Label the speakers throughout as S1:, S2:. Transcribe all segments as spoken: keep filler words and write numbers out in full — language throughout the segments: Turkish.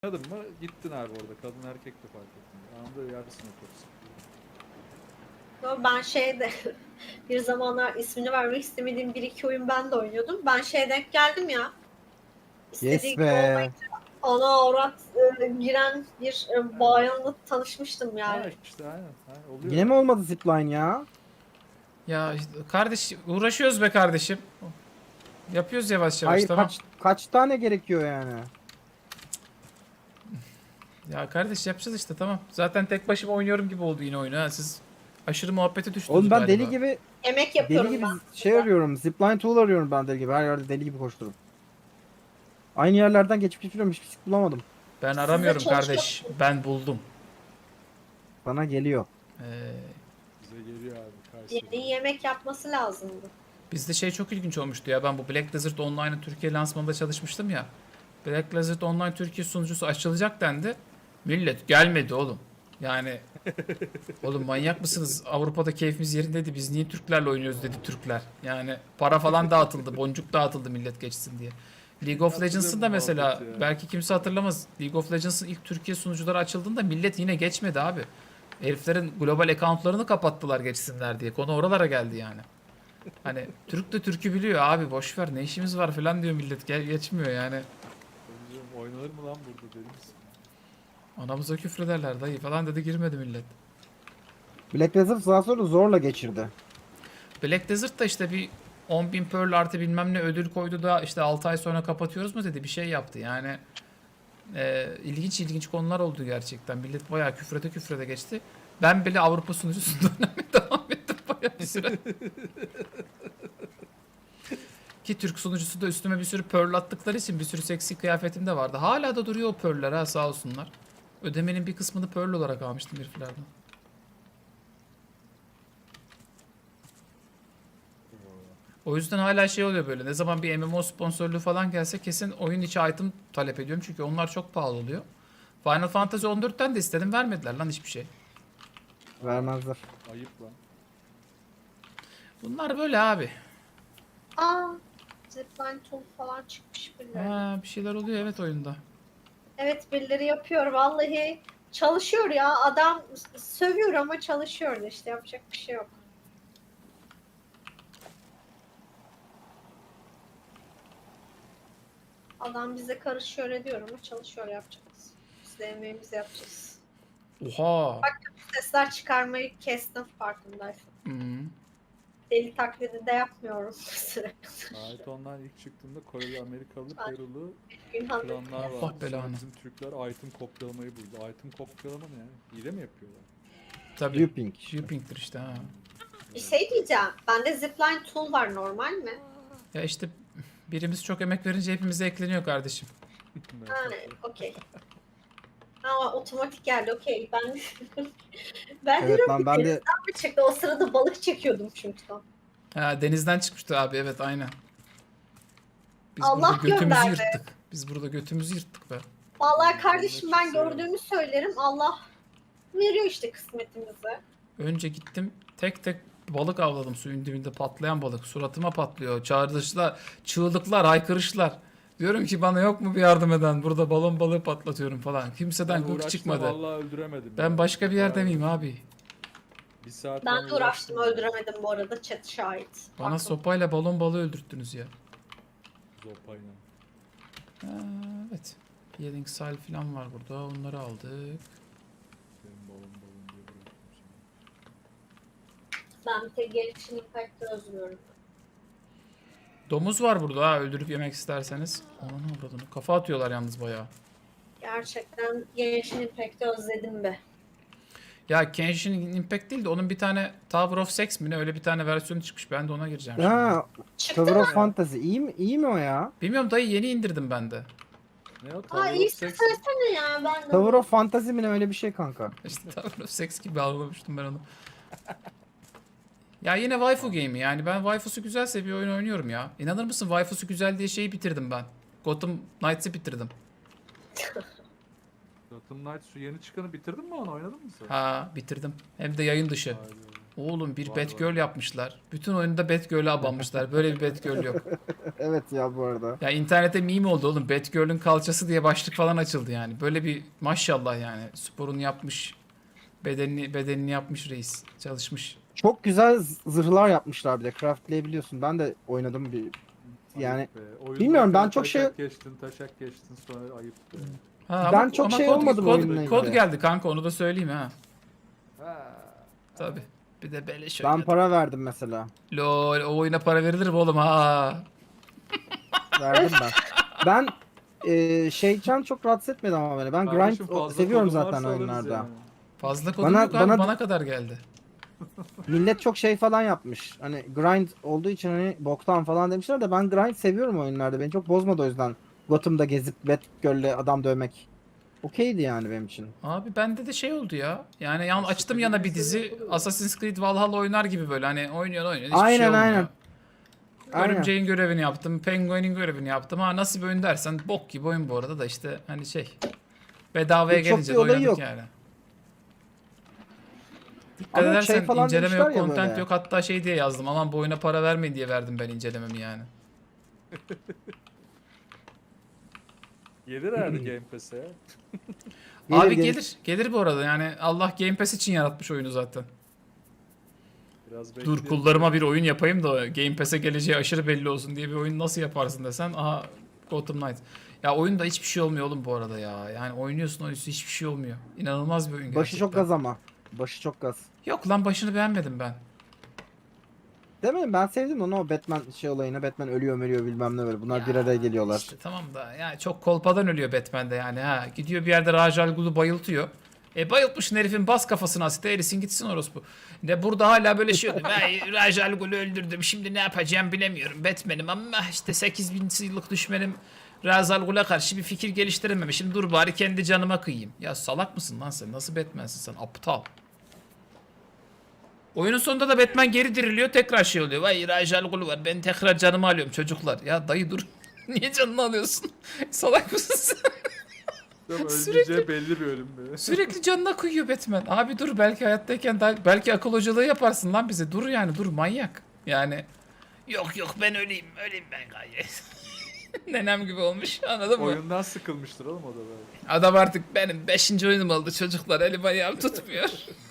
S1: Kadın mı? Gittin abi orada. Kadın erkek de fark etmiyor. Anında yersin otobüsü.
S2: Yo, Ben şeyde bir zamanlar ismini vermek istemediğim bir iki oyun ben de oynuyordum. Ben şeye denk geldim ya.
S3: Yes
S2: İstediği gibi
S3: be.
S2: olmayınca ana avrat e, giren bir e, bayanla tanışmıştım
S1: Ha
S2: yani.
S1: işte aynen. Ha, oluyor
S3: Yine mi
S1: yani.
S3: olmadı zipline ya?
S4: Ya işte kardeş uğraşıyoruz be kardeşim. Yapıyoruz yavaş yavaş
S3: Hayır,
S4: tamam.
S3: kaç kaç tane gerekiyor yani?
S4: Ya kardeş yapacağız işte tamam. Zaten tek başıma oynuyorum gibi oldu yine oyunu ha. Siz aşırı muhabbete düştünüz
S3: Oğlum ben
S4: galiba.
S3: deli gibi
S2: Emek
S3: deli
S2: yapıyorum
S3: gibi
S2: ben.
S3: şey arıyorum. Zipline tool arıyorum ben deli gibi. Her yerde deli gibi koşturup. Aynı yerlerden geçip geçiyorum, hiçbir şey bulamadım.
S4: Ben
S2: Size
S4: aramıyorum
S2: çalışıyor
S4: kardeş.
S2: musun?
S4: Ben buldum.
S3: Bana geliyor.
S4: Ee,
S1: Bize geliyor abi.
S2: Yeni
S1: Kayseri.
S2: yemek yapması lazımdı.
S4: bizde şey çok ilginç olmuştu ya. Ben bu Black Desert Online'ın Türkiye lansmanında çalışmıştım ya. Black Desert Online Türkiye sunucusu açılacak dendi. Millet gelmedi oğlum. Yani oğlum manyak mısınız? Avrupa'da keyfimiz yerindeydi. Biz niye Türklerle oynuyoruz dedi Türkler. Yani para falan dağıtıldı. Boncuk dağıtıldı millet geçsin diye. League of
S1: Hatırlıyorum
S4: Legends'ın
S1: bu
S4: da mesela
S1: muhabbeti ya.
S4: belki kimse hatırlamaz. League of Legends'ın ilk Türkiye sunucuları açıldığında millet yine geçmedi abi. Heriflerin global accountlarını kapattılar geçsinler diye. Konu oralara geldi yani. Hani Türk de Türk'ü biliyor abi boş ver ne işimiz var falan diyor millet. Gel geçmiyor yani.
S1: Tabii canım, oynanır mı lan burada deli misin?
S4: Anamıza küfrederler dayı falan dedi girmedi millet.
S3: Black Desert daha sonra zorla geçirdi.
S4: Black Desert da işte bir on bin Pearl artı bilmem ne ödül koydu da işte altı ay sonra kapatıyoruz mu dedi bir şey yaptı yani. E, ilginç ilginç konular oldu gerçekten. Millet bayağı küfrede küfrede geçti. Ben bile Avrupa sunucusunda oynamaya devam ettim bayağı bir süre. Ki Türk sunucusu da üstüme bir sürü Pearl attıkları için bir sürü seksi kıyafetim de vardı. Hala da duruyor o Pearl'ler ha sağ olsunlar. Ödemenin bir kısmını Pearl olarak almıştım heriflerden. O yüzden hala şey oluyor böyle. Ne zaman bir M M O sponsorluğu falan gelse kesin oyun içi item talep ediyorum. Çünkü onlar çok pahalı oluyor. Final Fantasy on dörtten de istedim. Vermediler lan hiçbir şey.
S3: Vermezler.
S1: Ayıp lan.
S4: Bunlar böyle abi.
S2: Aa, zipline tool falan çıkmış birileri.
S4: Ha, bir şeyler oluyor evet oyunda.
S2: Evet birileri yapıyor vallahi. Çalışıyor ya adam s- sövüyor ama çalışıyor da işte yapacak bir şey yok. Adam bize karışıyor ediyor ama çalışıyor yapacağız. Biz de emeğimizi yapacağız.
S4: Oha.
S2: Sesler çıkarmayı kestim farkındaysan.
S4: Hmm.
S2: Deli taklidi de yapmıyorum sürekli.
S1: Ait online ilk çıktığında Koreli, Amerikalı,
S2: Ay.
S1: Perulu
S2: Günhan
S1: klanlar
S4: Allah
S1: vardı. Sonra
S4: belanı.
S1: bizim Türkler item kopyalamayı buldu. Item kopyalama ne yani? Hile mi yapıyorlar?
S4: Tabii.
S3: Viewping.
S4: Viewping'tir işte ha.
S2: bir şey diyeceğim. Bende zipline tool var normal mi?
S4: Ya işte birimiz çok emek verince hepimize ekleniyor kardeşim.
S2: Ha, okey. Ama otomatik geldi okey. Ben ben
S3: Evet
S2: diyorum
S3: lan
S2: ki
S3: ben de
S2: denizden mi çıktı? O sırada balık çekiyordum çünkü.
S4: Ha denizden çıkmıştı abi evet aynen. Biz
S2: Allah
S4: burada götümüzü
S2: gönderdi.
S4: yırttık. Biz burada götümüzü yırttık be.
S2: Vallahi kardeşim ben
S1: Çıksa ya.
S2: gördüğümü söylerim. Allah veriyor işte kısmetimizi.
S4: Önce gittim tek tek balık avladım suyun dibinde patlayan balık. Suratıma patlıyor. Çağrışlar, çığlıklar, haykırışlar. Diyorum ki bana yok mu bir yardım eden? Burada balon balığı patlatıyorum falan. Kimseden
S1: Ben
S4: gık
S1: uğraştım,
S4: çıkmadı.
S1: vallahi öldüremedim.
S4: Ben
S1: ya.
S4: başka bir yerde
S1: Bayağı
S4: miyim
S1: uğraştım.
S4: abi?
S1: Bir saat
S2: Ben de uğraştım öldüremedim bu arada chat şahit.
S4: Bana
S2: Bakın.
S4: sopayla balon balığı öldürttünüz ya.
S1: Zopayla.
S4: Ha, evet. Healing Sal falan var burada. Onları aldık.
S1: Benim balon balon diye bıraktım seni.
S2: Ben bir tek gelişini impact'ı özlüyorum.
S4: Domuz var burada ha öldürüp yemek isterseniz. Ananı avradını. Kafa atıyorlar yalnız bayağı.
S2: Gerçekten gelişini impact'ı özledim be.
S4: Ya Genshin Impact değil de onun bir tane Tower of Sex mi ne öyle bir tane versiyonu çıkmış. Ben de ona gireceğim şimdi.
S3: ha,
S2: Çıktı
S3: Tower
S2: mı?
S3: of Fantasy iyi mi iyi mi o ya?
S4: Bilmiyorum dayı yeni indirdim ben de.
S1: Ne o?
S2: Aa
S1: Tower of
S2: iyisi
S1: Sex.
S2: söylesene ya ben de.
S3: Tower of Fantasy mi ne, öyle bir şey kanka.
S4: İşte Tower of Sex gibi algılamıştım ben onu. Ya yine waifu game'i yani ben waifusu güzelse bir oyun oynuyorum ya. İnanır mısın waifusu güzel diye şeyi bitirdim ben. Gotham Knights'ı bitirdim.
S1: Gotham Knights şu yeni çıkanı bitirdin mi onu? Oynadın mı sen?
S4: Ha bitirdim. Hem de yayın dışı.
S1: Haydi.
S4: Oğlum bir
S1: Var,
S4: Batgirl yapmışlar. Bütün oyunda Batgirl'e abanmışlar. Böyle bir Batgirl yok.
S3: Evet ya bu arada.
S4: Ya internette meme oldu oğlum. Batgirl'ün kalçası diye başlık falan açıldı yani. Böyle bir maşallah yani. Sporunu yapmış. Bedenini, bedenini yapmış reis. Çalışmış.
S3: Çok güzel z- zırhlar yapmışlar bir de. Craftlayabiliyorsun. Ben de oynadım bir. Yani
S1: Ayıp be. Oyunda
S3: bilmiyorum, ben
S1: kere
S3: çok şey-
S1: taşak geçtin, taşak geçtin sonra ayıp be.
S4: Ha,
S3: Ben
S4: ama,
S3: çok
S4: ama
S3: şey
S4: kod,
S3: olmadım
S4: kod,
S3: oyunla
S4: kod
S3: ilgili.
S4: geldi kanka, onu da söyleyeyim ha.
S1: Ha.
S4: Tabi. Bir de beleş
S3: ben
S4: oynadım.
S3: para verdim mesela.
S4: Lol, o oyuna para verilir mi oğlum ha?
S3: Verdim ben. Ben e, şeyken çok rahatsız etmedi ama beni. Ben
S1: Kardeşim,
S3: grind o-
S1: fazla
S3: seviyorum
S1: kodun
S3: zaten
S1: varsa alırız
S3: oyunlarda.
S1: yani.
S4: Fazla kodum
S3: Bana-
S4: yok abi,
S3: bana-
S4: bana kadar geldi.
S3: Millet çok şey falan yapmış. Hani grind olduğu için hani boktan falan demişler de ben grind seviyorum oyunlarda. Beni çok bozmadı o yüzden. Gotham'da gezip Batgirl'le adam dövmek. Okeydi yani benim için.
S4: Abi bende de şey oldu ya. Yani yan, açtım yana bir dizi.
S1: yapılır ya.
S4: Assassin's Creed Valhalla oynar gibi böyle. Hani oynuyor oynuyor. Hiçbir
S3: Aynen,
S4: şey olmuyor.
S3: aynen. Aynen.
S4: Örümceğin görevini yaptım. Penguin'in görevini yaptım. Ha nasıl bir oyun dersen bok gibi oyun bu arada da işte hani şey. Bedavaya
S3: Çok
S4: gelince
S3: bir
S4: de
S3: olayı
S4: oynadık
S3: yok.
S4: yani. Dikkat
S3: Ama
S4: edersen
S3: şey falan
S4: inceleme
S3: demişler
S4: yok,
S3: ya
S4: content
S3: böyle.
S4: yok. Hatta şey diye yazdım. Aman bu oyuna para vermeyin diye verdim ben incelememi yani.
S1: Gelir herhalde Game Pass'e ya.
S3: Gelir,
S4: Abi
S3: gelir.
S4: gelir. Gelir bu arada. Yani Allah Game Pass için yaratmış oyunu zaten.
S1: Biraz
S4: Dur
S1: bekleyelim.
S4: kullarıma bir oyun yapayım da Game Pass'e geleceği aşırı belli olsun diye bir oyun nasıl yaparsın desen. Aha Gotham Knight. Ya oyunda hiçbir şey olmuyor oğlum bu arada ya. Yani oynuyorsun oynuyorsun hiçbir şey olmuyor. İnanılmaz bir oyun gerçekten.
S3: Başı çok gaz ama. Başı çok gaz.
S4: Yok lan başını beğenmedim ben.
S3: Demedim, ben sevdim onu, o Batman şey olayına. Batman ölüyor ölüyor bilmem ne böyle. Bunlar
S4: Ya
S3: bir araya geliyorlar.
S4: İşte tamam da yani çok kolpadan ölüyor Batman'de yani ha. Gidiyor bir yerde Ra's al Ghul'u bayıltıyor. E bayıltmışsın herifin, bas kafasına asite erisin gitsin orospu. Ne burada hala böyle şey oluyor. Ben Ra's al Ghul'u öldürdüm şimdi ne yapacağım bilemiyorum. Batman'im ama işte sekiz bin yıllık düşmenim Ra's al Ghul'a karşı bir fikir geliştirememişim. Dur bari kendi canıma kıyayım. Ya salak mısın lan sen? Nasıl Batman'sin sen? Aptal. Oyunun sonunda da Batman geri diriliyor, tekrar şey oluyor. Vay Ra's al Ghul var, ben tekrar canımı alıyorum çocuklar. Ya dayı dur. Niye canını alıyorsun? Salak mısın sen?
S1: Tabii
S4: Sürekli-
S1: öleceği belli bir ölüm be.
S4: Sürekli canına kıyıyor Batman. Abi dur, belki hayattayken daha, belki akıl hocalığı yaparsın lan bize. Dur yani, dur manyak. Yani yok yok ben öleyim, öleyim ben gayet. Nenem gibi olmuş, anladın mı?
S1: Oyundan sıkılmıştır oğlum o da belki.
S4: Adam artık benim beşinci oyunum oldu çocuklar, elim ayağım tutmuyor.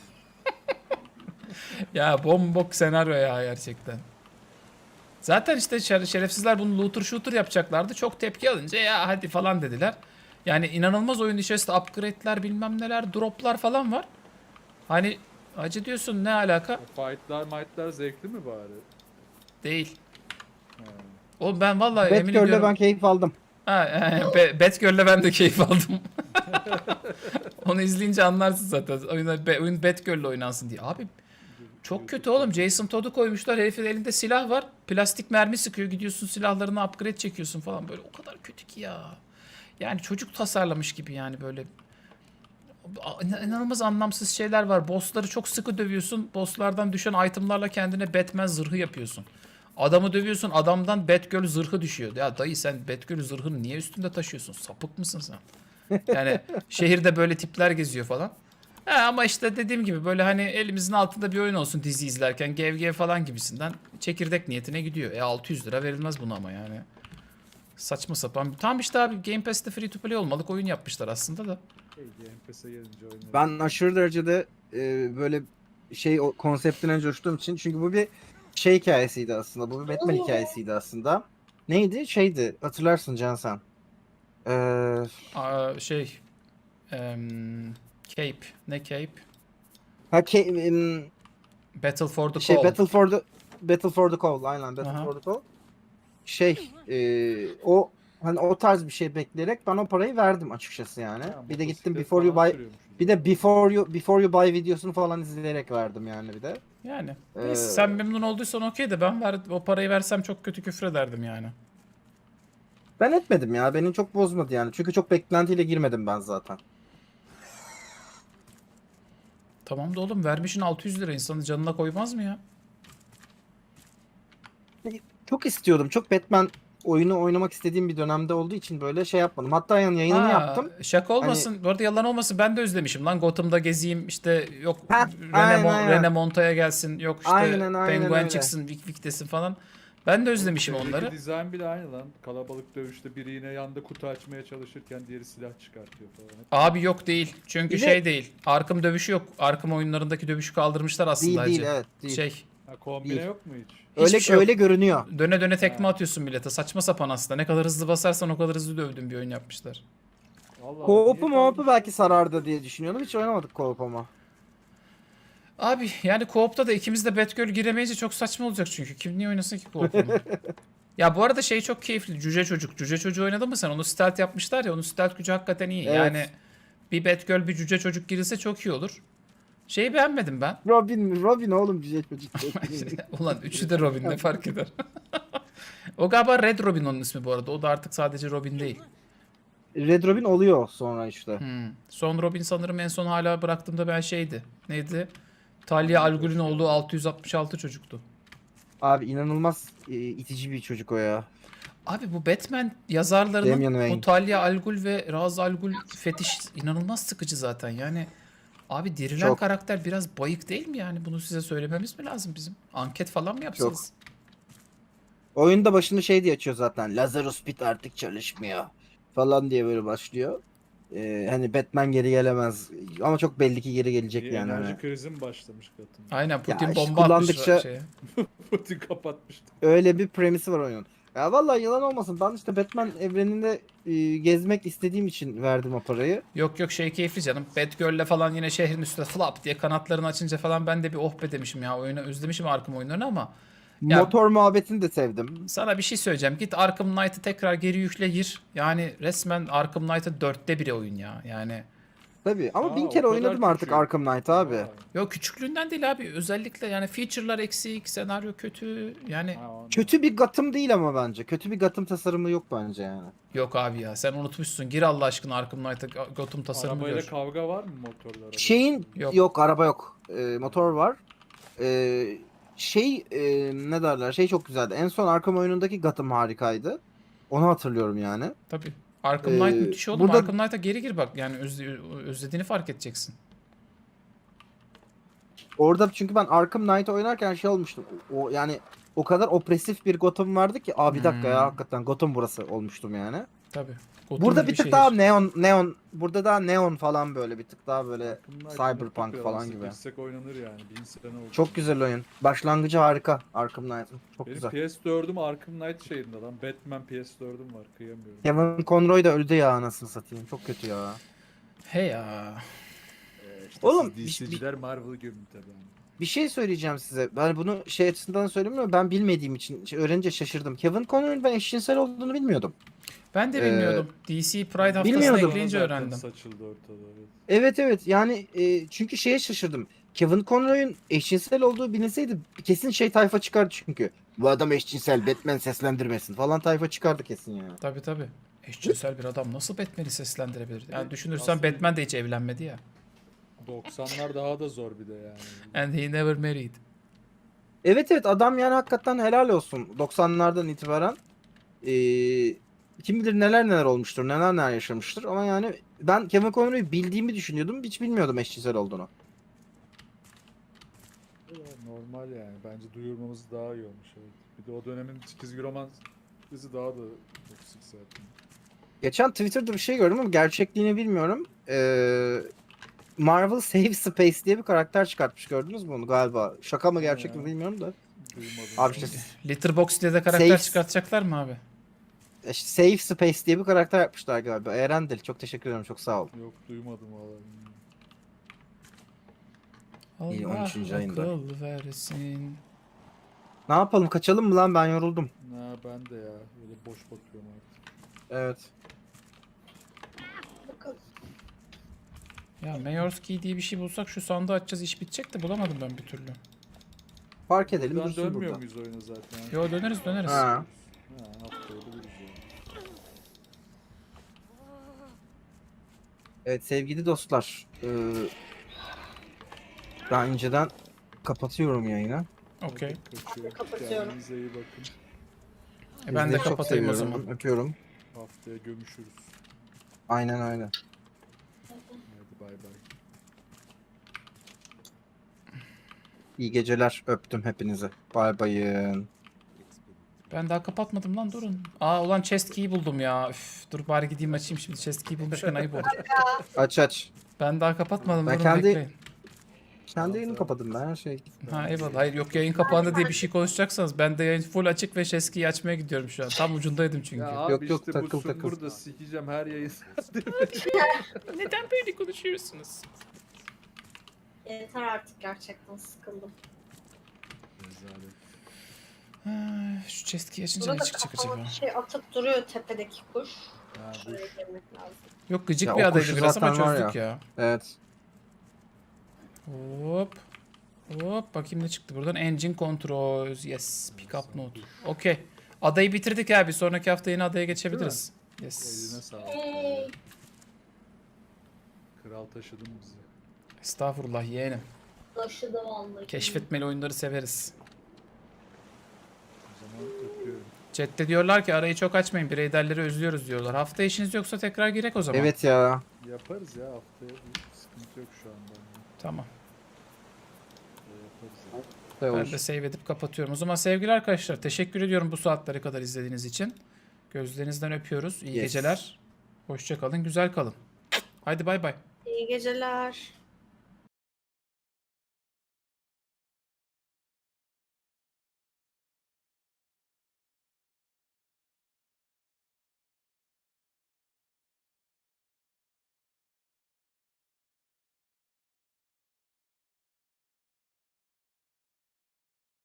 S4: Ya bombok senaryo ya gerçekten. Zaten işte şer- şerefsizler bunu looter shooter yapacaklardı. Çok tepki alınca ya hadi falan dediler. Yani inanılmaz oyun içerisinde upgrade'ler bilmem neler, droplar falan var. Hani acı diyorsun ne alaka?
S1: O fight'lar might'lar zevkli mi bari?
S4: Değil.
S1: He.
S4: Oğlum ben vallahi emin
S3: Batgirl'le
S4: ediyorum.
S3: ben keyif aldım.
S4: Ha, e, Be- Batgirl'le ben de keyif aldım. Onu izleyince anlarsın zaten. Oyun, be, oyun Batgirl'le oynansın diye. Abi çok kötü oğlum. Jason Todd'u koymuşlar. Herifin elinde silah var. Plastik mermi sıkıyor. Gidiyorsun silahlarını upgrade çekiyorsun falan. Böyle o kadar kötü ki ya. Yani çocuk tasarlamış gibi yani böyle. İn- İnanılmaz anlamsız şeyler var. Bossları çok sıkı dövüyorsun. Bosslardan düşen itemlarla kendine Batman zırhı yapıyorsun. Adamı dövüyorsun. Adamdan Batgirl zırhı düşüyor. Ya dayı sen Batgirl zırhını niye üstünde taşıyorsun? Sapık mısın sen? Yani şehirde böyle tipler geziyor falan. He, ama işte dediğim gibi böyle hani elimizin altında bir oyun olsun dizi izlerken gev gev falan gibisinden çekirdek niyetine gidiyor. E altı yüz lira verilmez buna ama yani. Saçma sapan. Tam işte abi Game Pass'te free to play olmalık oyun yapmışlar aslında da.
S1: Hey, Game Pass'e gelince oynarım.
S3: Ben aşırı derecede e, böyle şey o konseptine coştuğum için, çünkü bu bir şey hikayesiydi aslında. Bu bir Batman hikayesiydi aslında. Neydi? Şeydi. Hatırlarsın Can sen. Ee,
S4: Aa, şey em, Cape. Ne Cape?
S3: ha ke, em,
S4: Battle for the
S3: şey
S4: Call.
S3: Battle for the Battle for the Call, aynen Battle
S4: Aha.
S3: for the Call. Şey e, o hani o tarz bir şey bekleyerek ben o parayı verdim açıkçası yani.
S1: Ha,
S3: Bir de gittim
S1: motosiklet
S3: Before You
S1: falan
S3: Buy
S1: sürüyormuşuz.
S3: bir de Before You Before You Buy videosunu falan izleyerek verdim yani bir de.
S4: Yani.
S3: Ee,
S4: Neyse, sen memnun olduysan okey de ben ver, o parayı versem çok kötü küfür ederdim yani.
S3: Ben etmedim ya. Beni çok bozmadı yani. Çünkü çok beklentiyle girmedim ben zaten.
S4: Tamam da oğlum vermişin altı yüz lira, insanın canına koymaz mı ya?
S3: Çok istiyordum. Çok Batman oyunu oynamak istediğim bir dönemde olduğu için böyle şey yapmadım. Hatta yani yayınını
S4: Ha,
S3: yaptım.
S4: Şaka olmasın. Bu arada yalan olmasın. Ben de özlemişim lan. Gotham'da gezeyim. İşte yok
S3: Heh,
S4: Rene,
S3: aynen,
S4: Mon-
S3: aynen.
S4: Rene Monta'ya gelsin. Yok işte
S3: Aynen, aynen
S4: Penguin
S3: öyle.
S4: çıksın. Vik Vik desin falan. Ben de özlemişim
S1: Şeydeki
S4: onları.
S1: dizayn bile aynı lan. Kalabalık dövüşte biri yine yanda kutu açmaya çalışırken diğeri silah çıkartıyor falan.
S4: Abi yok değil. Çünkü
S3: Bir de-
S4: şey değil. Arkham dövüşü yok. Arkham oyunlarındaki dövüşü kaldırmışlar aslında.
S3: Değil değil
S4: hacı.
S3: evet değil.
S4: Şey.
S1: Ha, kombine
S3: Değil.
S1: yok mu hiç?
S4: Hiçbir
S3: öyle
S4: şey yok.
S3: öyle görünüyor.
S4: Döne döne tekme
S1: Ha.
S4: atıyorsun millete. Saçma sapan aslında. Ne kadar hızlı basarsan o kadar hızlı dövdüğün bir oyun yapmışlar.
S1: Allah
S3: Co-op'u
S1: niye
S3: mo-op'u
S1: kalmış?
S3: belki sarardı diye düşünüyordum. Hiç oynamadık co-op ama.
S4: Abi yani co-op'ta da ikimiz de Batgirl giremeyince çok saçma olacak çünkü. Kim niye oynasın ki co-op'unu? Ya bu arada şey çok keyifli. Cüce Çocuk. Cüce Çocuğu oynadın mı sen? Onu stealth yapmışlar ya. Onun stealth gücü hakikaten iyi.
S3: Evet.
S4: Yani bir Batgirl bir Cüce Çocuk girilse çok iyi olur. Şeyi beğenmedim ben.
S3: Robin mi? Robin oğlum cüce çocuk.
S4: Ulan üçü de Robin ne fark eder? O galiba Red Robin onun ismi bu arada. O da artık sadece Robin değil.
S3: Red Robin oluyor sonra işte.
S4: Hmm. Son Robin sanırım en son hala bıraktığımda ben şeydi. Neydi? Talia Al Ghul'ün olduğu altı yüz altmış altı çocuktu.
S3: Abi inanılmaz e, itici bir çocuk o ya.
S4: Abi bu Batman
S3: Damian
S4: yazarlarının
S3: Wayne.
S4: o Talia Al Ghul ve Ra's Al Ghul fetiş inanılmaz sıkıcı zaten. Yani abi dirilen
S3: Çok.
S4: karakter biraz bayık değil mi yani? Bunu size söylememiz mi lazım bizim? Anket falan mı yapsanız?
S3: Oyunda başını şey diye açıyor zaten. Lazarus Pit artık çalışmıyor. Falan diye böyle başlıyor. Ee, hani Batman geri gelemez. Ama çok belli ki geri gelecek
S1: Bir
S3: yani.
S1: enerji
S3: Hani.
S1: krizi mi başlamış Gotham?
S4: Aynen Putin
S3: işte
S4: bomba atmış
S3: kullandıkça-
S4: şeye.
S1: Putin kapatmıştı.
S3: Öyle bir premisi var oyunun. Ya vallahi yalan olmasın. Ben işte Batman evreninde e, gezmek istediğim için verdim o parayı.
S4: Yok yok şey keyifli canım. Batgirl'le falan yine şehrin üstüne flap diye kanatlarını açınca falan ben de bir oh be demişim ya. Oyunu özlemişim Arkham oyunlarını ama Ya-
S3: Motor muhabbetini de sevdim.
S4: sana bir şey söyleyeceğim. Git Arkham Knight'ı tekrar geri yükle gir. Yani resmen Arkham Knight'ın dörtte biri oyun ya. Yani
S3: Tabii ama
S1: Aa,
S3: bin
S1: o
S3: kere
S1: kadar
S3: oynadım artık
S1: küçük.
S3: Arkham Knight abi.
S1: Vay.
S4: yok küçüklüğünden değil abi. Özellikle yani feature'lar eksik, senaryo kötü. Yani
S1: Ha, ondan.
S3: Kötü bir Gotham değil ama bence. Kötü bir Gotham tasarımı yok bence yani.
S4: yok abi ya. Sen unutmuşsun. Gir Allah aşkına Arkham Knight'a Gotham tasarımı
S1: Arabayla
S4: gör.
S1: kavga var mı motorlara?
S3: Şeyin
S4: Yok.
S3: yok, araba yok. Ee, motor var. Ee, şey e, ne derler? Şey çok güzeldi. En son Arkham oyunundaki Gotham harikaydı. Onu hatırlıyorum yani.
S4: Tabii. Arkham
S3: Ee,
S4: Knight müthiş oğlum.
S3: burada-
S4: Arkham Knight'a geri gir bak. Yani özle- özlediğini fark edeceksin.
S3: Orada çünkü ben Arkham Knight oynarken şey olmuştum. O yani o kadar opresif bir Gotham vardı ki, aa bir dakika ya
S4: Hmm.
S3: hakikaten Gotham burası olmuştum yani.
S4: Tabii. Gotham
S3: Burada
S4: gibi
S3: bir tık
S4: şehir.
S3: daha neon neon burada daha neon falan böyle bir tık daha böyle
S1: Bunlar
S3: cyberpunk
S1: mutlaka
S3: falan
S1: nasıl
S3: gibi.
S1: girsek oynanır yani. Bin sene oldu.
S3: Çok güzel oyun. Başlangıcı harika Arkham Knight'ın. Çok
S1: Benim
S3: güzel.
S1: P S dördüm Arkham Knight şeyinde lan. Batman P S dördüm var. Kıyamıyorum.
S3: Kevin Conroy da öldü ya anasını satayım. Çok kötü ya.
S4: He ya.
S1: Ee, işte
S3: Oğlum,
S1: siz
S3: bir-
S1: D C'ciler Marvel'ı gömün tabii.
S3: Bir şey söyleyeceğim size. Ben bunu şey açısından söylemiyorum. Ben bilmediğim için şey, öğrenince şaşırdım. Kevin Conroy'un ben eşcinsel olduğunu bilmiyordum.
S4: Ben de
S3: Ee,
S4: bilmiyordum. D C Pride haftasına
S3: bilmiyordum.
S4: ekleyince
S1: Zaten
S4: öğrendim.
S1: saçıldı ortada. Evet.
S3: Evet evet yani e, çünkü şeye şaşırdım. Kevin Conroy'un eşcinsel olduğu bilinseydi kesin şey tayfa çıkardı çünkü. Bu adam eşcinsel, Batman seslendirmesin falan tayfa çıkardı kesin yani.
S4: Tabii tabii. Eşcinsel bir adam nasıl Batman'i seslendirebilir? Yani düşünürsen
S1: Aslında-
S4: Batman de hiç evlenmedi ya.
S1: doksanlar daha da zor bir de yani.
S4: And he never married.
S3: Evet evet adam yani hakikaten helal olsun. doksanlardan itibaren e, kim bilir neler neler olmuştur, neler neler yaşamıştır ama yani ben Kevin Conroy'u bildiğimi düşünüyordum. Hiç bilmiyordum eşcinsel olduğunu.
S1: Ya, normal yani. Bence duyurmamız daha iyi olmuş. Evet. Bir de o dönemin çizgi roman dizi daha da toksik zaten.
S3: Geçen Twitter'da bir şey gördüm ama gerçekliğini bilmiyorum. Ee, Marvel Save Space diye bir karakter çıkartmış, gördünüz mü onu galiba? Şaka mı gerçek mi
S1: Ya.
S3: bilmiyorum da.
S1: Duymadım.
S3: Abi
S1: yani.
S3: işte
S4: Letterboxd diye de karakter
S3: Safe-
S4: çıkartacaklar mı abi?
S3: işte Save Space diye bir karakter yapmışlar galiba. Erendil çok teşekkür ederim, çok sağ ol.
S1: Yok duymadım valla.
S3: İyi,
S4: Allah
S3: on üçüncü ayında.
S4: akıl versin.
S3: Ne yapalım, kaçalım mı lan, ben yoruldum.
S1: Ha ben de ya. Böyle boş bakıyorum artık.
S3: Evet.
S2: Bakalım.
S4: Ya Mayor's Key diye bir şey bulsak şu sandığı açacağız iş bitecek de bulamadım ben bir türlü.
S3: Fark edelim,
S1: Buradan
S3: dursun
S1: dönmüyor
S3: burada.
S1: muyuz oyuna zaten?
S4: Yo döneriz döneriz.
S3: Ha.
S1: Ha haftaya buluruz yani.
S3: Evet sevgili dostlar. ee, ben inceden kapatıyorum yayını.
S4: Okey.
S1: Kaçıyor.
S2: Kapatıyorum.
S1: Kendinize iyi bakın.
S4: E ben de
S3: Millet çok
S4: kapatayım o
S3: seviyorum.
S4: zaman.
S3: Öpüyorum.
S1: Haftaya gömüşürüz.
S3: Aynen öyle.
S1: Hadi bay bay.
S3: İyi geceler. Öptüm hepinizi. Bay bayın.
S4: Ben daha kapatmadım lan, durun. Aa ulan chest key'i buldum ya. Üf, dur bari gideyim açayım şimdi. Chest key'i bulmuşken ayıp oldu.
S3: Aç aç.
S4: Ben daha kapatmadım,
S3: Ben
S4: durun
S3: kendi-
S4: bekleyin.
S3: Kendi yayını kapadım ben her şey.
S4: Ha eyvallah. Hayır yok, yayın kapandı diye bir şey konuşacaksanız ben de yayın full açık ve chest key'i açmaya gidiyorum şu an. Tam ucundaydım çünkü.
S1: Ya abi
S3: Yok, yok,
S1: işte
S3: takıl,
S1: bu
S3: takıl.
S1: burada sikeceğim her yayın.
S4: Neden böyle konuşuyorsunuz?
S2: Yeter artık, gerçekten sıkıldım.
S1: Rezalet.
S4: Ha, şu chest key'i açınca ne
S2: Burada
S4: çıkacak
S2: kafama
S4: acaba?
S2: bir şey atıp duruyor tepedeki kuş.
S1: Ha, bu
S2: Şuraya
S1: iş.
S2: girmek lazım.
S4: Yok gıcık
S3: Ya
S4: bir
S3: o
S4: adaydı
S3: kuşu
S4: biraz ama
S3: zaten var
S4: çözdük ya.
S3: Evet.
S4: Hop. Hop bakayım ne çıktı buradan. Engine controls. Yes. Pick up note. Okey. Adayı bitirdik abi. Sonraki hafta yine adaya geçebiliriz.
S1: Eline
S4: Yes.
S1: sağlık.
S2: Hey.
S1: Kral taşıdın bizi.
S4: Estağfurullah yeğenim.
S2: Taşıdı vallahi.
S4: Keşfetmeli oyunları severiz.
S1: O zaman öpüyorum.
S4: Chat'te diyorlar ki arayı çok açmayın. Bireyderleri özlüyoruz diyorlar. Hafta işiniz yoksa tekrar girek o zaman.
S3: Evet ya.
S1: Yaparız ya haftaya. Bir sıkıntı yok şu anda.
S4: Tamam.
S1: Yaparız ya.
S3: Şey
S4: Ben
S3: olur.
S4: de save edip kapatıyorum. O zaman sevgili arkadaşlar teşekkür ediyorum bu saatlere kadar izlediğiniz için. Gözlerinizden öpüyoruz. İyi
S3: Yes.
S4: geceler. Hoşça kalın, güzel kalın. Haydi bay bay.
S2: İyi geceler.